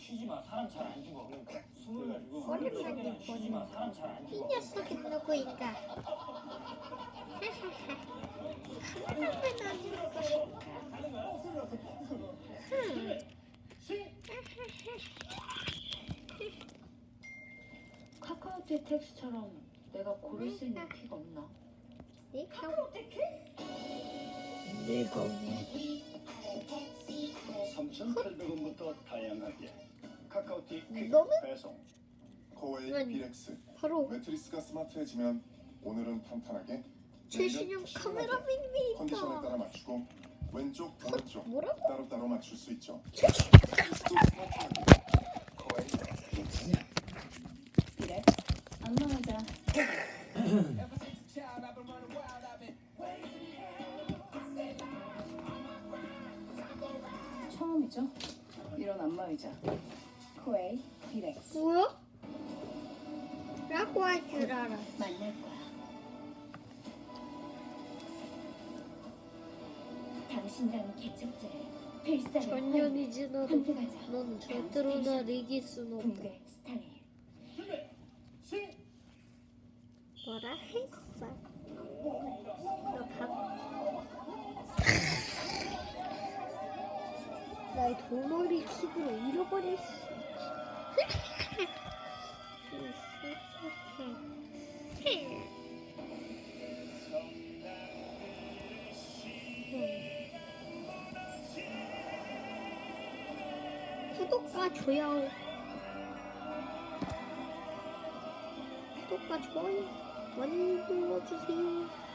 쉬지 마. 사람 잘 안 죽어. 숨을 가지고. 오랜만에 쉬지 마. 보는 사람 잘 안 이 죽어. 녀석이 누구인가? 한 번만 안 것인가? 카카오톡 텍스처럼 내가 고를 수 있는 키가 없나? 내가 3,800원부터 다양하게 카카오티 퀵 너무 배송. 코웨이 아니, 비렉스. 바로 매트리스가 스마트해지면 오늘은 탄탄하게, 최신형 내일은 카메라 푸짐하게 컨디션에 빈입니다. 따라 맞추고 왼쪽 오른쪽 뭐라고? 따로따로 맞출 수 있죠. 코웨이 비렉스. 그래? 안녕하자. 처음이죠? 이런 안마의자. 코웨이 비렉스. 뭐야? 라고 할 줄 알아. 만날 거야. 당신이라는 개척자의 필살을 전년이지 너도. 함께 가자. 넌 절대로 날 이길 순 없다. 공개 스타일. 뭐라 했어? 너 나의 돌머리 킥으로 잃어버렸어. 구독과 좋아요, 구독과 좋아요 많이 눌러주세요.